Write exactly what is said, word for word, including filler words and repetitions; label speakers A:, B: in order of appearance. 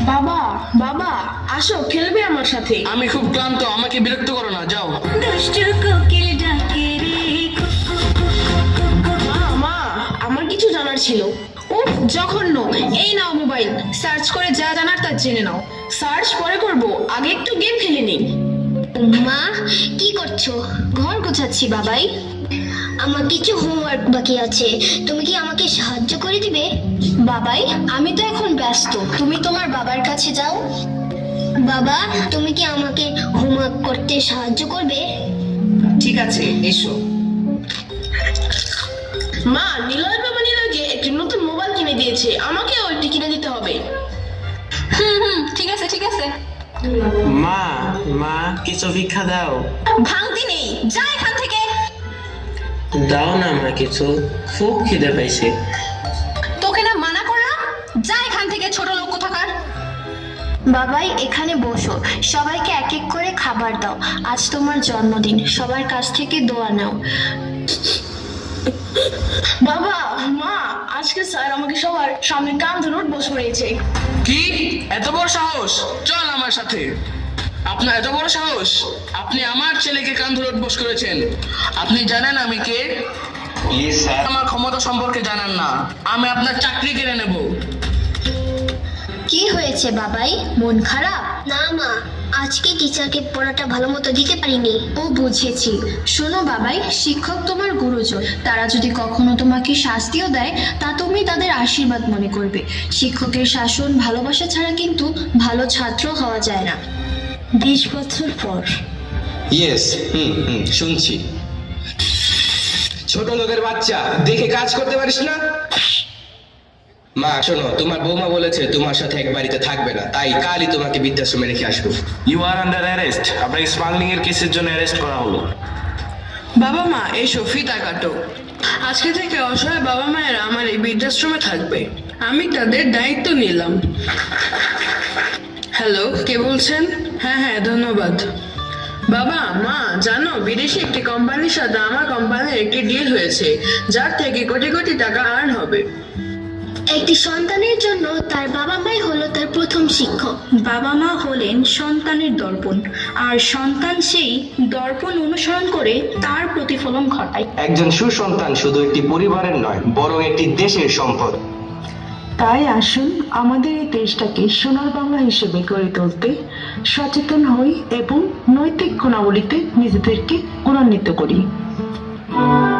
A: বাবা বাবা আসো, খেলবে আমার সাথে।
B: আমি খুব ক্লান্ত, আমাকে বিরক্ত করো না, যাও।
A: মা মা আমার কিছু জানার ছিল। উফ জঘন্য। এই নাও মোবাইল, সার্চ করে যা জানার তা জেনে নাও। সার্চ পরে করব, আগে একটু গেম খেলে নিই।
C: মা কি করছো? ঘর গোছাচ্ছি বাবাই। আমার কিছু হোমওয়ার্ক বাকি আছে, তুমি কি আমাকে সাহায্য করে দিবে? বাবাই আমি তো এখন ব্যস্ত, তুমি তোমার বাবার কাছে যাও। বাবা তুমি কি আমাকে হোমওয়ার্ক করতে সাহায্য করবে?
A: ঠিক আছে, এসো। মা, নিলয় বাবা নিলয়কে একটি নতুন মোবাইল কিনে দিয়েছে, আমাকেও একটি কিনে দিতে হবে।
D: হুম হুম ঠিক আছে ঠিক আছে।
E: মা মা কিছু ভিক্ষা দাও।
D: ভাঙতি নেই, যা এখান থেকে।
E: দাও না মা কিছু, খুব খিদে পাইছে।
D: তোকে না মানা করলাম, যা এখান থেকে, ছোট লোক কোথাকার।
C: বাবাই এখানে বসো, সবাইকে এক এক করে খাবার দাও। আজ তোমার জন্মদিন, সবার কাছ থেকে দোয়া নাও।
A: বাবা মা, আজকে স্যার আমাকে সবার সামনে কান ধরে উঠবস করিয়েছে।
B: কি এত বড় সাহস? চল আমার সাথে। আপনার এত বড় সাহস, আপনি আমার ছেলেকে কান ধরে উঠবোস করেছেন? আপনি জানেন আমি কে?
E: Please sir.
B: আমার ক্ষমতা সম্পর্কে জানেন না, আমি আপনার চাকরি কেড়ে নেব।
C: কি হয়েছে বাবাই, মন খারাপ? না মা, আজকে টিচারকে পড়াটা ভালো মতো দিতে পারিনি। ও বুঝেছি। শোনো বাবাই, শিক্ষক তোমার গুরুজন, তারা যদি কখনো তোমাকে শাস্তিও দেয় তা তুমি তাদের আশীর্বাদ মনে করবে। শিক্ষকের শাসন ভালোবাসা ছাড়া কিন্তু ভালো ছাত্র হওয়া যায় না। বিশ বছর পর।
F: ইয়েস, হুম হুম শুনছি। ছোট লোকের বাচ্চা, দেখে কাজ করতে পারিস না? মা শোনো, তোমার বৌমা বলেছে তোমার সাথে এক বাড়িতে থাকবে না, তাই কালই তোমাকে বৃদ্ধাশ্রমে রেখে আসবো।
E: You are under arrest. আপনাকে স্মাগলিং এর কেসের জন্য অ্যারেস্ট করা হলো।
B: বাবা মা এসো, ফিতা কাটো। আজকে থেকে অসহায় বাবা মায়েরা আমার এই বৃদ্ধাশ্রমে থাকবে, আমি তাদের দায়িত্ব নিলাম। হ্যালো, কে বলছেন? হ্যাঁ হ্যাঁ ধন্যবাদ। বাবা মা জানো, বিদেশি একটি কোম্পানির সাথে আমার কোম্পানির একটি ডিল হয়েছে, যার থেকে কোটি কোটি টাকা আর্ন হবে।
C: একটি সন্তানের জন্য তার বাবা মাই হলো তার প্রথম শিক্ষক। বাবা মা হলেন সন্তানের দর্পণ, আর সন্তান সেই দর্পণ অনুসরণ করে তার প্রতিফলন ঘটায়।
F: একজন সুসন্তান শুধু একটি পরিবারের নয়, বরং একটি দেশের সম্পদ।
G: তাই আসুন আমাদের এই দেশটাকে সোনার বাংলা হিসেবে গড়ে তুলতে সচেতন হই এবং নৈতিক গুণাবলীতে নিজেদেরকে গুণান্বিত করি।